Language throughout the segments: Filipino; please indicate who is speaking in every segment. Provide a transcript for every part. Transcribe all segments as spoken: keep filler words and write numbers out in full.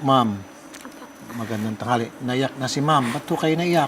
Speaker 1: Ma'am, magandang tanghali. Naiyak na si ma'am. Ba't po kayo naiyak?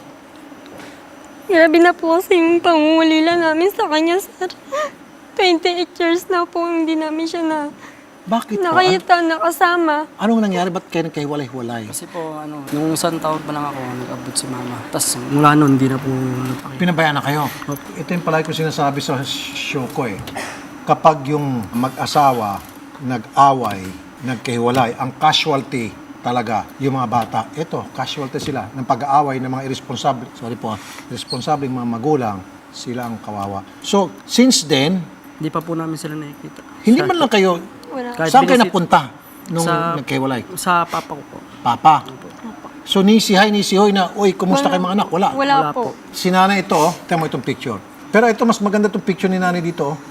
Speaker 2: Grabe na po kasi yung pangungulila namin sa kanya, sir. twenty-eight years na po hindi namin siya na
Speaker 1: Bakit po? An-
Speaker 2: nakita, nakasama.
Speaker 1: anong nangyari? Ba't kayo nagkahiwalay-hiwalay?
Speaker 3: Kasi po, ano, nung isang taon pa lang ako, nag-abot si mama. Tapos mula noon, hindi na po napakita.
Speaker 1: Pinabayaan na kayo. Ito yung palagi ko sinasabi sa show ko eh. Kapag yung mag-asawa, nag-away, nagkahiwalay, ang casualty talaga yung mga bata. Ito, casualty sila ng pag-aaway ng mga irresponsible, sorry po, irresponsible mga magulang, sila ang kawawa. So, since then,
Speaker 3: Hindi pa po namin sila nakikita.
Speaker 1: hindi
Speaker 3: Sa-
Speaker 1: man lang kayo,
Speaker 2: Wala.
Speaker 3: Kahit
Speaker 1: saan kayo
Speaker 3: binisit-
Speaker 1: napunta nung
Speaker 3: Sa-
Speaker 1: nagkahiwalay?
Speaker 3: Sa papa ko po.
Speaker 1: Papa. So, nisihay, nisihoy na, uy, kumusta kayo mga anak? Wala.
Speaker 2: Wala,
Speaker 3: Wala
Speaker 2: po.
Speaker 3: po.
Speaker 1: Si nanay ito, oh. Tingnan mo itong picture. Pero ito, mas maganda itong picture ni nanay dito, oh.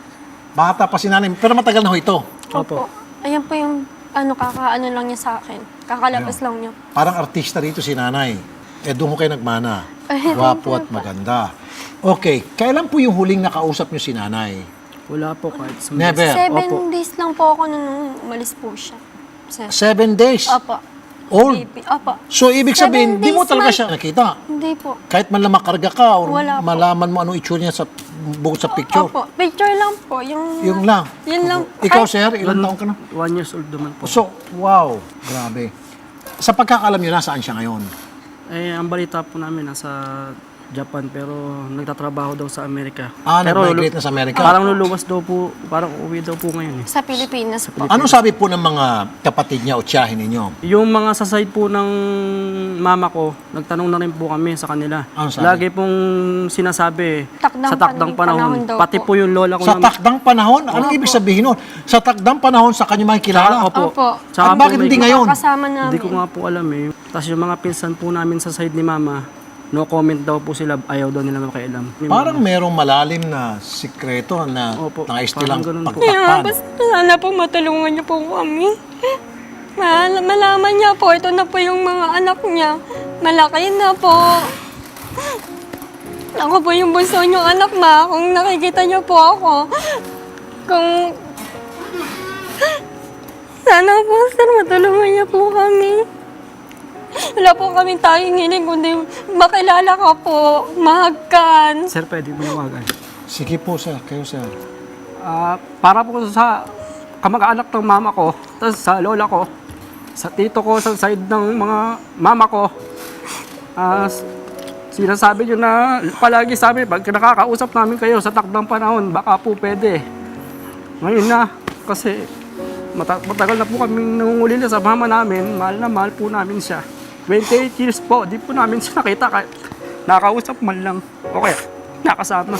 Speaker 1: Bata pa si nanay, pero matagal na ho ito.
Speaker 2: Opo. Ayan po yung ano, kakaano lang niya sa akin. Kakalabas lang niya.
Speaker 1: Parang artista rito si nanay. Eh, doon ko kayo nagmana.
Speaker 2: Ay,
Speaker 1: Gwapo at maganda. Okay, kailan po yung huling nakausap niyo si nanay?
Speaker 3: Wala po kahit sa
Speaker 1: Never.
Speaker 2: Seven
Speaker 3: Opo.
Speaker 2: days lang po ako nung umalis po siya. Sir.
Speaker 1: Seven days.
Speaker 2: Opo.
Speaker 1: Old.
Speaker 2: Baby. Opo.
Speaker 1: So, ibig sabihin,
Speaker 2: Seven
Speaker 1: di mo
Speaker 2: days
Speaker 1: talaga
Speaker 2: man-
Speaker 1: siya nakita.
Speaker 2: Hindi po.
Speaker 1: Kahit man lang makarga ka or
Speaker 2: Wala po.
Speaker 1: malaman mo anong itsura niya sa bukod sa picture.
Speaker 2: Opo. Picture lang po. Yung,
Speaker 1: Yung lang.
Speaker 2: Yun lang.
Speaker 1: Ikaw,
Speaker 2: Ay,
Speaker 1: sir, ilang
Speaker 3: One,
Speaker 1: taon ka na?
Speaker 3: one years old naman po.
Speaker 1: So, wow. Grabe. Sa pagkakalam niyo, nasaan siya ngayon?
Speaker 3: Eh, ang balita po namin nasa Japan pero nagtatrabaho daw sa Amerika.
Speaker 1: Ah,
Speaker 3: pero
Speaker 1: nag-migrate na sa Amerika.
Speaker 3: Parang luluwas daw po, parang uuwi daw po ngayon eh.
Speaker 2: Sa Pilipinas po.
Speaker 1: Anong sabi po ng mga kapatid niya o tiyahin ninyo?
Speaker 3: Yung mga sa side po ng mama ko, nagtanong na rin po kami sa kanila.
Speaker 1: Ano sabi?
Speaker 3: Lagi pong sinasabi
Speaker 2: Takdang
Speaker 3: sa takdang
Speaker 2: pan- panahon
Speaker 3: panahon,
Speaker 2: daw
Speaker 3: pati
Speaker 2: po.
Speaker 3: po yung lola ko
Speaker 1: Sa
Speaker 3: na-
Speaker 1: takdang panahon? Anong ibig sabihin nun? Sa takdang panahon sa kanyang makikilala?
Speaker 3: Opo.
Speaker 2: Opo.
Speaker 3: Tsaka
Speaker 1: At bakit
Speaker 3: po may-
Speaker 1: hindi ngayon?
Speaker 2: Kasama namin.
Speaker 3: Hindi ko nga po alam eh. Tapos yung mga pinsan po namin sa side ni mama, no comment daw po sila, ayaw daw nila makialam. Yung
Speaker 1: Parang merong malalim na sikreto na
Speaker 3: Opo,
Speaker 1: nais
Speaker 3: parang
Speaker 1: nilang
Speaker 3: ganun po.
Speaker 2: Kaya
Speaker 1: pagtakpan.
Speaker 2: basta sana po matulungan niyo po kami. Mal malaman niya po, ito na po yung mga anak niya. Malaki na po. Ako po yung bunso niyong anak, ma. Kung nakikita niyo po ako. Kung... Sana po, sir, matulungan niya po kami. Wala po kaming tanging hiling, kundi makilala ka po, mahagkan.
Speaker 3: Sir, pwede mo nawagan.
Speaker 1: Sige po, sir. Kayo, sir.
Speaker 3: Ah, para po sa kamag-anak ng mama ko, tapos sa lola ko, sa tito ko, sa side ng mga mama ko, ah, s- sinasabi nyo na palagi sa amin, pag nakakausap namin kayo sa takdang panahon, baka po pwede. Ngayon na, kasi mata- matagal na po kaming nangungulila sa mama namin, mahal na mahal po namin siya. twenty-eight years po, di po namin siya nakita kahit nakausap man lang. Okay, nakasama.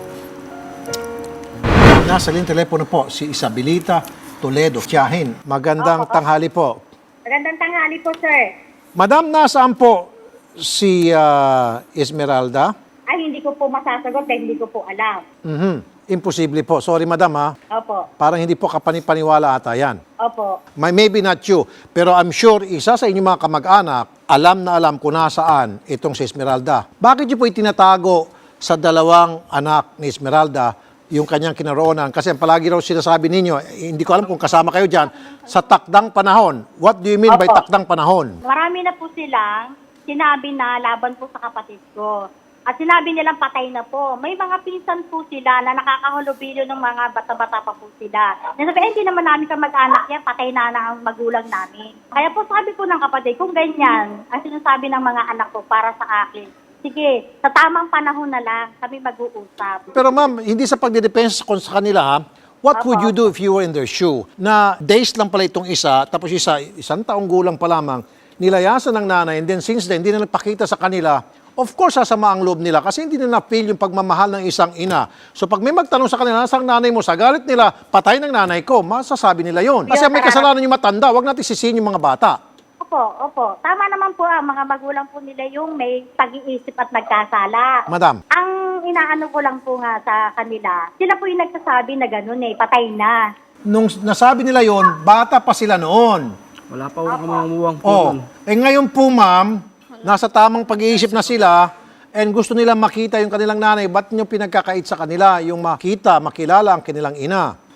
Speaker 1: Nasa linyang telepono po si Isabelita Toledo, tiyahin. Magandang tanghali po.
Speaker 4: Magandang tanghali po, sir.
Speaker 1: Madam, nasaan po si ah, Esmeralda?
Speaker 4: Ay, hindi ko po masasagot dahil hindi ko po alam.
Speaker 1: Mhm. Imposible po. Sorry, madam, ha?
Speaker 4: Opo,
Speaker 1: Parang hindi po kapanipaniwala ata yan.
Speaker 4: opo.
Speaker 1: May, maybe not you, pero I'm sure isa sa inyong mga kamag-anak, alam na alam kung nasaan itong si Esmeralda. Bakit niyo po itinatago sa dalawang anak ni Esmeralda yung kanyang kinaroonan? Kasi ang palagi raw sinasabi ninyo, eh, hindi ko alam kung kasama kayo dyan, sa takdang panahon. What do you mean by
Speaker 4: Opo.
Speaker 1: takdang panahon?
Speaker 4: Marami na po silang sinabi na laban po sa kapatid ko. At sinabi nilang patay na po. May mga pinsan po sila na nakakahulubilyo ng mga bata-bata pa po sila. Nasabi, eh, hindi naman namin kamag-anak yan, patay na na ang magulang namin. Kaya po sabi po ng kapatid, kung ganyan, ang sinasabi ng mga anak ko para sa akin, sige, sa tamang panahon na lang kami mag-uusap.
Speaker 1: Pero ma'am, hindi sa pagdidepensa sa kanila, ha? What would you do if you were in their shoe? Na days lang pala itong isa, tapos isa, isang taong gulang pa lamang, nilayasan ng nanay, and then since then, hindi na nagpakita sa kanila. Of course, sasama ang loob nila kasi hindi nila na-feel yung pagmamahal ng isang ina. So pag may magtanong sa kanila, nasaan nanay mo? Sa galit nila, patay ng nanay ko, masasabi nila yon. Kasi may kasalanan yung matanda, wag natin sisihin yung mga bata.
Speaker 4: Opo, opo. Tama naman po ang mga magulang po nila yung may pag-iisip at nagkasala.
Speaker 1: Madam,
Speaker 4: Ang inaano ko lang po nga sa kanila, sila po yung nagsasabi na gano'n eh, patay na.
Speaker 1: nung nasabi nila yon, bata pa sila noon.
Speaker 3: Wala pa akong kamumuwang po
Speaker 1: Oh,
Speaker 3: nun.
Speaker 1: eh ngayon po ma'am, nasa tamang pag-iisip na sila and gusto nilang makita yung kanilang nanay, ba't nyo pinagkakait sa kanila yung makita, makilala ang kanilang ina?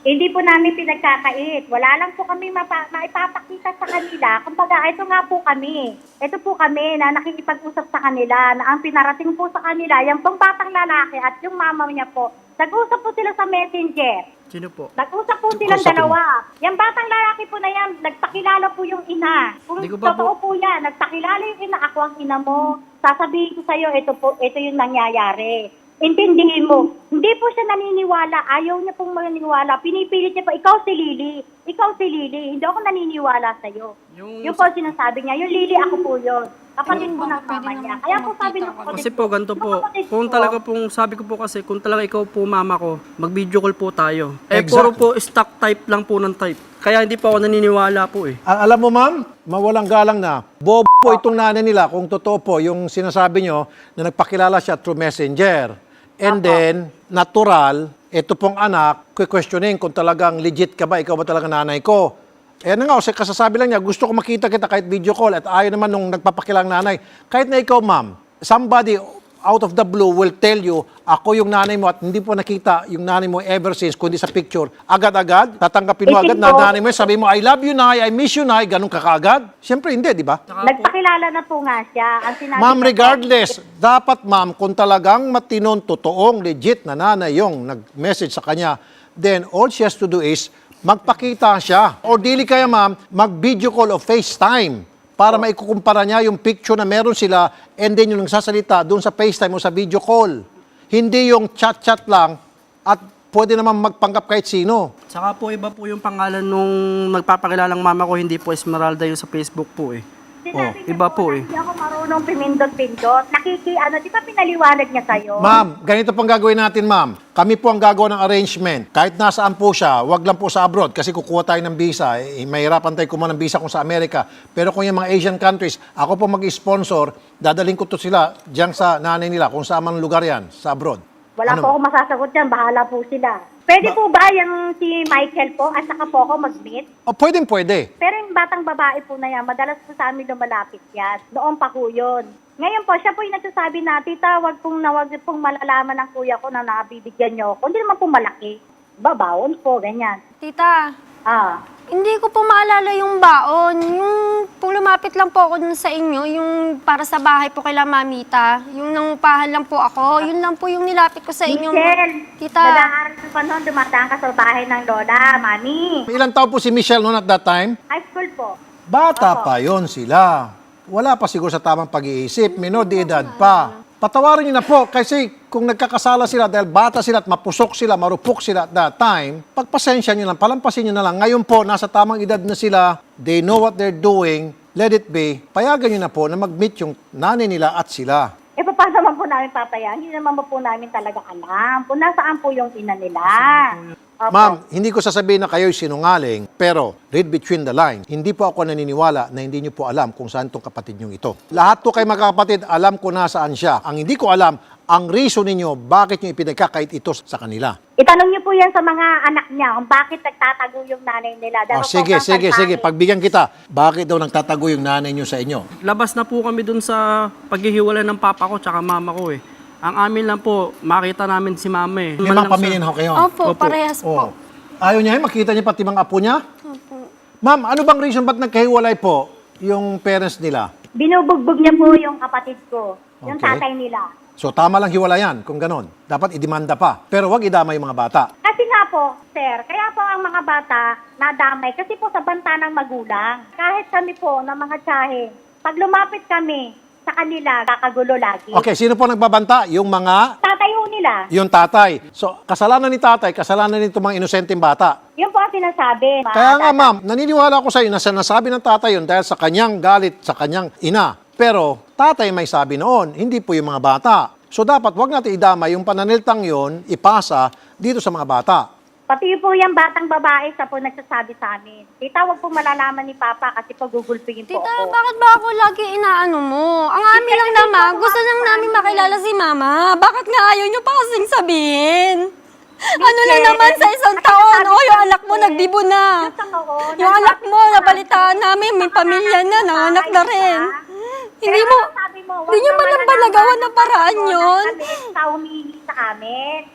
Speaker 4: Hindi po namin pinagkakait. Wala lang po kami mapa- maipapakita sa kanila. Kumbaga, ito nga po kami. Ito po kami na nakikipag-usap sa kanila na ang pinarating po sa kanila, yung pong batang lalaki at yung mama niya po, nag-usap po sila sa messenger.
Speaker 3: Sino po?
Speaker 4: Nag-usap po silang
Speaker 1: Kausapin mo.
Speaker 4: dalawa. Yung batang lalaki po na yan, nagpakilala po yung ina. Kung
Speaker 3: Di ko ba
Speaker 4: totoo po yan, nagpakilala yung ina, ako ang ina mo. Sasabihin ko sa'yo, ito po, ito yung nangyayari. Intindihin mo. Hindi po siya naniniwala. Ayaw niya pong maniniwala. Pinipilit niya po, ikaw si Lily. Ikaw si Lily. Hindi ako naniniwala sa'yo.
Speaker 3: Yung-
Speaker 4: Yung po sinasabi niya, yung Lily ako po yun. Kapatid
Speaker 2: Ayun,
Speaker 4: po ng
Speaker 2: baka pwede
Speaker 4: mama niya.
Speaker 2: naman
Speaker 4: Kaya
Speaker 2: po
Speaker 4: po sabi
Speaker 2: makita
Speaker 4: ng
Speaker 2: ko.
Speaker 4: kapatid
Speaker 3: Kasi po, ganito
Speaker 4: ng
Speaker 3: po.
Speaker 4: kapatid
Speaker 3: Kung
Speaker 4: ko,
Speaker 3: talaga pong, sabi ko po kasi, kung talaga ikaw po mama ko, mag-video call po tayo. Eh,
Speaker 1: Exactly.
Speaker 3: puro po stock type lang po ng type. Kaya hindi po ako naniniwala po eh.
Speaker 1: Al- alam mo, ma'am, mawalang galang na, bobo po itong nanay nila kung totoo po yung sinasabi nyo na nagpakilala siya through messenger. And then, natural, ito pong anak, questioning kung talagang legit ka ba, ikaw ba talaga nanay ko. Eh na nga, kasi kasasabi lang niya, gusto ko makita kita kahit video call at ayaw naman nung nagpapakilang nanay. Kahit na ikaw, ma'am, somebody out of the blue will tell you, ako yung nanay mo at hindi po nakita yung nanay mo ever since, kundi sa picture. Agad-agad, tatanggapin mo
Speaker 4: Eh,
Speaker 1: agad na
Speaker 4: ito-
Speaker 1: nanay mo, sabi mo, I love you, nay, I miss you, nay, ganun ka kaagad? Siyempre hindi, di ba?
Speaker 4: Nagpakilala na po nga siya. Ang sinabi
Speaker 1: Ma'am,
Speaker 4: ng-
Speaker 1: regardless, dapat ma'am, kung talagang matinon, totoong, legit na nanay yung nag-message sa kanya, then all she has to do is magpakita siya. O dili kaya ma'am, mag-video call o FaceTime para maikukumpara niya yung picture na meron sila and then yung nagsasalita doon sa FaceTime o sa video call. Hindi yung chat-chat lang at pwede naman magpanggap kahit sino.
Speaker 3: Saka po iba po yung pangalan nung nagpapakilalang mama ko, hindi po Esmeralda yung sa Facebook po eh.
Speaker 4: Sinabi niya
Speaker 3: iba po eh.
Speaker 4: Hindi ako marunong pimindot-pindot. Nakiki, ano, di ba pinaliwanag niya sa'yo?
Speaker 1: Ma'am, ganito pang gagawin natin, ma'am. Kami po ang gagawa ng arrangement. Kahit nasaan po siya, wag lang po sa abroad kasi kukuha tayo ng visa. Eh, mahirapan tayo kumuha ng visa kung sa Amerika. Pero kung yung mga Asian countries, ako po mag-sponsor, dadaling ko to sila diyan sa nanay nila, kung saan man lugar yan, sa abroad.
Speaker 4: Wala
Speaker 1: Ano?
Speaker 4: po ako masasagot dyan. Bahala po sila. Pwede po ba yung si Michael po at saka po ako mag-meet?
Speaker 1: O, pwedeng pwede.
Speaker 4: Pero yung batang babae po na yan, madalas po sa amin lumalapit yan. Noon pa po yun. Ngayon po, siya po yung nagsasabi na, tita, wag pong, na, wag pong malalaman ng kuya ko na nakabibigyan niyo ako. Hindi naman po malaki. Babawon po, ganyan.
Speaker 2: Tita,
Speaker 4: Ah,
Speaker 2: hindi ko po maalala yung baon. Yung kung lumapit lang po ako dun sa inyo, yung para sa bahay po kay Mamita, yung nangupahan lang po ako, yun lang po yung nilapit ko sa inyo.
Speaker 4: Michelle,
Speaker 2: Tita,
Speaker 4: nag-aaral ka pa noon, dumadaan ka sa bahay ng lola, mami.
Speaker 1: Ilang taon po si Michelle noon at that time?
Speaker 4: High school po.
Speaker 1: Bata pa yon sila. Wala pa siguro sa tamang pag-iisip. Minor de edad pa. Patawarin niyo na po kasi kung nagkakasala sila dahil bata sila at mapusok sila, marupok sila at that time, pagpasensya niyo lang, palampasin niyo na lang. Ngayon po, nasa tamang edad na sila, they know what they're doing, let it be. Payagan niyo na po na mag-meet yung nanay nila at sila.
Speaker 4: Eh, paano naman po namin papayaan? Hindi naman po namin talaga alam kung nasaan po yung ina nila. Opo.
Speaker 1: Ma'am, hindi ko sasabihin na kayo'y sinungaling, pero read between the lines. Hindi po ako naniniwala na hindi niyo po alam kung saan tong kapatid niyo ito. Lahat po kayo magkakapatid, alam ko nasaan siya. Ang hindi ko alam, ang reason ninyo, bakit niyo ipinagkakait ito sa kanila.
Speaker 4: Itanong niyo po yan sa mga anak niya kung bakit nagtatago yung nanay nila.
Speaker 1: O,
Speaker 4: Dahil
Speaker 1: sige,
Speaker 4: sobrang
Speaker 1: sige, sige.
Speaker 4: salpahin.
Speaker 1: Pagbigyan kita, bakit daw nagtatago yung nanay niyo sa inyo?
Speaker 3: Labas na po kami dun sa paghihiwalay ng papa ko tsaka mama ko eh. Ang amin lang po, makita namin si mama eh.
Speaker 1: May mga pamilya na ho kayo.
Speaker 2: opo,
Speaker 3: Opo.
Speaker 2: parehas
Speaker 1: Oh.
Speaker 2: po.
Speaker 1: Ayaw niya, eh, makita niya pati mga apo niya?
Speaker 2: Opo.
Speaker 1: Ma'am, ano bang reason ba't nagkahiwalay po yung parents nila?
Speaker 4: Binubugbog niya po yung kapatid ko, yung
Speaker 1: Okay.
Speaker 4: tatay nila.
Speaker 1: So tama lang hiwalayan kung ganon. Dapat idemanda pa. Pero wag idama yung mga bata.
Speaker 4: Kasi nga po, sir, kaya po ang mga bata nadamay kasi po sa banta ng magulang. Kahit kami po ng mga tsahe, pag lumapit kami sa kanila, kakagulo lagi.
Speaker 1: Okay, sino po nagbabanta? Yung mga,
Speaker 4: Tatay ho nila.
Speaker 1: yung tatay. So, kasalanan ni tatay, kasalanan nito mga inosenteng bata.
Speaker 4: Yun po ang sinasabi.
Speaker 1: Kaya nga ma'am, naniniwala ako sa iyo na sinasabi ng tatay yun dahil sa kanyang galit, sa kanyang ina. Pero tatay may sabi noon, hindi po yung mga bata. So dapat wag natin idama yung pananiltang yon ipasa dito sa mga bata.
Speaker 4: Pati po yung batang babae sa po nagsasabi sa amin. Tita, wag po malalaman ni Papa kasi pagugulpingin po
Speaker 2: Tita,
Speaker 4: ako.
Speaker 2: bakit ba ako lagi inaano mo? Ang amin lang naman, gusto lang namin makilala si Mama. Bakit nga ayaw niyo pa kasing sabihin? Ano lang naman sa isang taon? O, yung anak mo nagbibo na. Yung anak mo, nabalitaan namin, may pamilya na, nanganak na rin. Hindi mo, hindi niyo man lang balagawan ng paraan yun.
Speaker 4: Sa humihingi sa amin.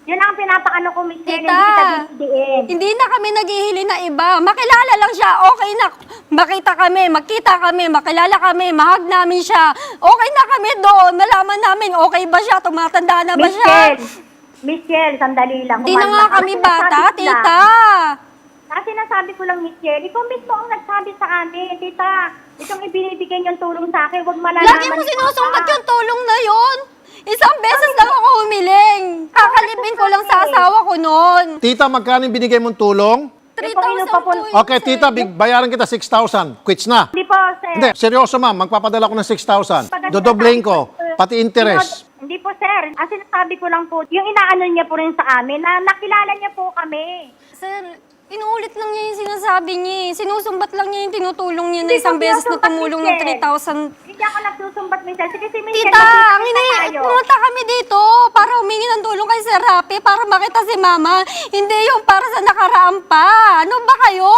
Speaker 4: Yun ang pinapakano ko, Miss Shirley,
Speaker 2: Tita,
Speaker 4: hindi kita didiin.
Speaker 2: hindi na kami naghihili na iba. Makilala lang siya, okay na. Makita kami, makita kami, makilala kami, mahag namin siya. Okay na kami doon. Malaman namin, okay ba siya? Tumatanda na ba siya?
Speaker 4: Michelle, Michelle, sandali lang.
Speaker 2: Hindi na nga
Speaker 4: Kumalma ka.
Speaker 2: kami
Speaker 4: Kasi
Speaker 2: bata,
Speaker 4: nasabi ko lang-
Speaker 2: tita.
Speaker 4: Kasi nasabi ko lang, Michelle, ikaw mismo ang nagsabi sa amin, tita, itong ibinibigay niyong tulong sa akin, huwag malalaman.
Speaker 2: Lagi mo sinusumbat yung tulong na yon. Isang beses lang ako humiling. Kakalipin ko lang sa asawa ko noon.
Speaker 1: Tita, magkano yung binigay mong tulong?
Speaker 2: three
Speaker 4: Ito,
Speaker 2: thousand
Speaker 4: inupapun-
Speaker 2: po yun,
Speaker 1: Okay,
Speaker 2: sir.
Speaker 1: tita, big, bayaran kita six thousand. Quits na.
Speaker 4: Hindi po, sir.
Speaker 1: Hindi, seryoso ma'am, magpapadala ko ng six thousand. Dodoblein ko, pati interest.
Speaker 4: Hindi po, sir. As sinasabi ko lang po, yung inaano niya po rin sa amin, na nakilala niya po kami.
Speaker 2: Sir, inuulit lang niya yung sinasabi niya. eh. Sinusumbat lang niya yung tinutulong niya na
Speaker 4: Hindi
Speaker 2: isang
Speaker 4: ko
Speaker 2: beses na
Speaker 4: sinusumbat,
Speaker 2: tumulong ng
Speaker 4: Michelle.
Speaker 2: three thousand.
Speaker 4: Hindi ako nagsusumbat, Michelle. Sige, si Michelle,
Speaker 2: Tita, ang
Speaker 4: magkita
Speaker 2: ini
Speaker 4: tayo.
Speaker 2: pumunta kami dito para humingi ng tulong kay Sir Rapi para makita si Mama. Hindi yung para sa nakaraan pa. Ano ba kayo?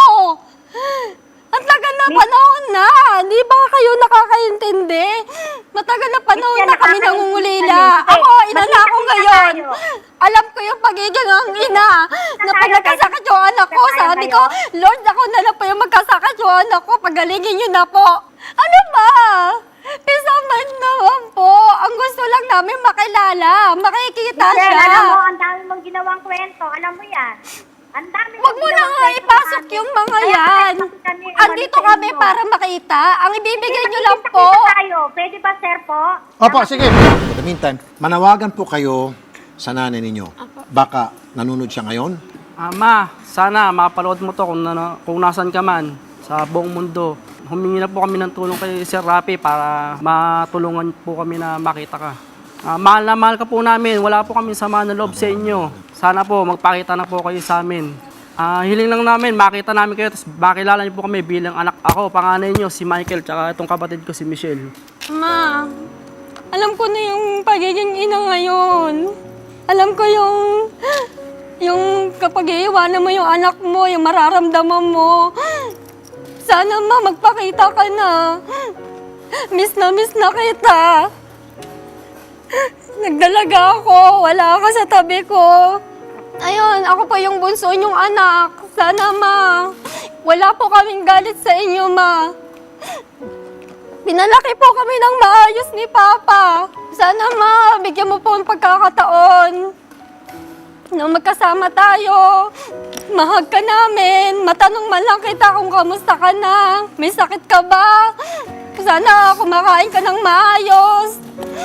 Speaker 2: Ang tagal na
Speaker 4: Miss-
Speaker 2: panahon na. Di ba kayo nakakaintindi? Matagal na panahon
Speaker 4: Miss,
Speaker 2: na kami
Speaker 4: nakakaintindi
Speaker 2: nangungulila.
Speaker 4: kami.
Speaker 2: Ako, ina na ako
Speaker 4: Magkita
Speaker 2: ngayon.
Speaker 4: tayo.
Speaker 2: Alam ko yung pagiging ang ina. Na pag
Speaker 4: tayo,
Speaker 2: nagkasakit yung anak ko,
Speaker 4: tayo
Speaker 2: sabi
Speaker 4: kayo.
Speaker 2: ko, Lord, ako na lang po yung magkasakit yung anak ko. Pagalingin niyo na po. Ano ba? Pisaman naman po. Ang gusto lang namin makilala. Makikita
Speaker 4: Michelle,
Speaker 2: siya.
Speaker 4: alam mo, ang dami mong ginawang kwento. Alam mo yan. Ang dami
Speaker 2: Huwag mo na nga ipasok yung mga yan. Andito kami para makita. Ang ibibigay niyo lang po.
Speaker 4: tayo. Pwede ba, sir po?
Speaker 1: Opo, sige. For the meantime, manawagan po kayo sa nanay ninyo. Baka nanonood siya ngayon.
Speaker 3: Ah, ma, sana mapanood mo to kung, na, kung nasan ka man sa buong mundo. Humingi na po kami ng tulong kay Sir Rapi para matulungan po kami na makita ka. Ah, mahal na mahal ka po namin. Wala po kami sama ng loob sa inyo. Sana po magpakita na po kayo sa amin. Ah, hiling lang namin, makita namin kayo, tapos makilala niyo po kami bilang anak ako, panganay niyo, si Michael, tsaka itong kapatid ko, si Michelle.
Speaker 2: Ma, alam ko na yung pagiging ina ngayon. Alam ko yung, yung kapag iiwanan mo yung anak mo, yung mararamdaman mo. Sana ma, magpakita ka na. Miss na miss na kita. Nagdalaga ako, wala ka sa tabi ko. Ayun, ako pa yung bunso niyong anak. Sana ma, wala po kaming galit sa inyo ma. Pinalaki po kami ng maayos ni Papa. Sana ma, bigyan mo po ang pagkakataon na magkasama tayo. Mahag ka namin. Matanong man lang kita kung kamusta ka na. May sakit ka ba? Sana kumakain ka ng maayos.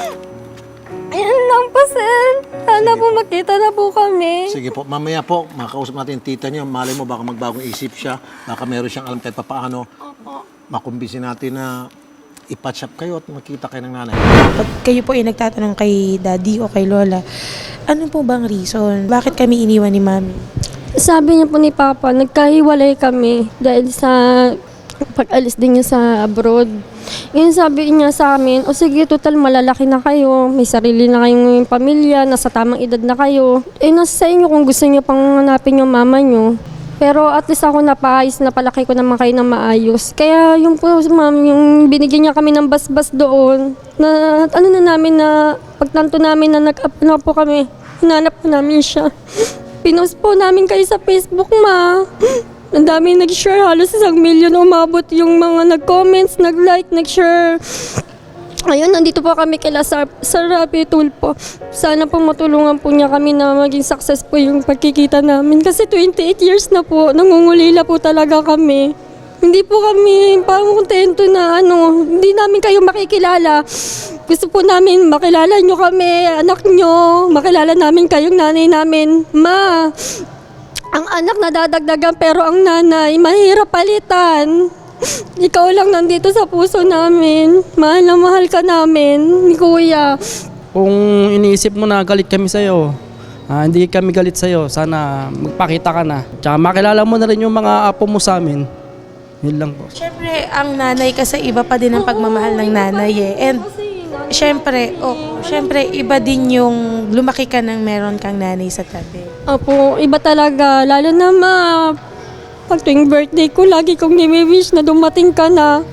Speaker 2: Ayan lang po, sir. Sana po makita na po kami.
Speaker 1: Sige po, mamaya po, makausap natin yung tita niya. Malay mo, baka magbagong isip siya. Baka meron siyang alam kahit papaano. Makumbisi natin na ipatch up kayo at makita kayo ng nanay.
Speaker 5: Pag kayo po ay nagtatanong kay daddy o kay lola, ano po bang reason? Bakit kami iniwan ni mami?
Speaker 2: Sabi niya po ni Papa, nagkahiwalay kami dahil sa pag-alis din niya sa abroad. Yun sabi niya sa amin, o sige, total malalaki na kayo, may sarili na kayong pamilya, nasa tamang edad na kayo. Eh, nasa sa inyo kung gusto niyo pang hanapin yung mama niyo. Pero at least ako napaayos, napalaki ko naman kayo ng maayos. Kaya yung po, ma'am, yung binigyan niya kami ng basbas doon, na ano na namin na, pagtanto namin na nag-up na po kami, hinanap po namin siya. Pinost po namin kayo sa Facebook, ma. Ang dami nag-share, halos isang milyon umabot yung mga nag-comments, nag-like, nag-share. Ayun, nandito po kami kila Sir, Sir Rapi Tulfo. Sana po matulungan po niya kami na maging success po yung pagkikita namin. Kasi twenty-eight years na po, nangungulila po talaga kami. Hindi po kami parang kontento na ano, hindi namin kayo makikilala. Gusto po namin makilala nyo kami, anak nyo, makilala namin kayong nanay namin. Ma, ang anak nadadagdagan pero ang nanay, mahirap palitan. Ikaw lang nandito sa puso namin. Mahal na mahal ka namin, ni Kuya.
Speaker 3: Kung iniisip mo na galit kami sa'yo, ah, hindi kami galit sa'yo, sana magpakita ka na. Tsaka makilala mo na rin yung mga apo mo sa amin. Yun lang po.
Speaker 5: Siyempre, ang nanay kasi iba pa din ang pagmamahal ng nanay eh. And siyempre, oh, siyempre, iba din yung lumaki ka nang meron kang nanay sa tabi.
Speaker 2: Apo, iba talaga. Lalo na ma, pag tuwing birthday ko, lagi kong nimi-wish na dumating ka na.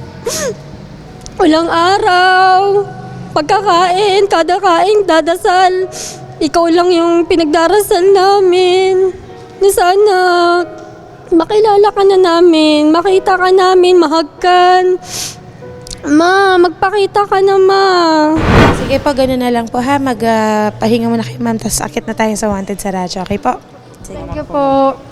Speaker 2: Walang araw. Pagkakain, kada kain, dadasal. ikaw lang yung pinagdarasal namin. Na sana makilala ka na namin, makita ka namin, mahagkan. Ma, magpakita ka na, ma.
Speaker 5: Sige po, gano'n na lang po ha. Magpahinga muna kayo, ma'am. Tapos akit na tayo sa Wanted sa radyo. Okay po?
Speaker 2: Thank you po.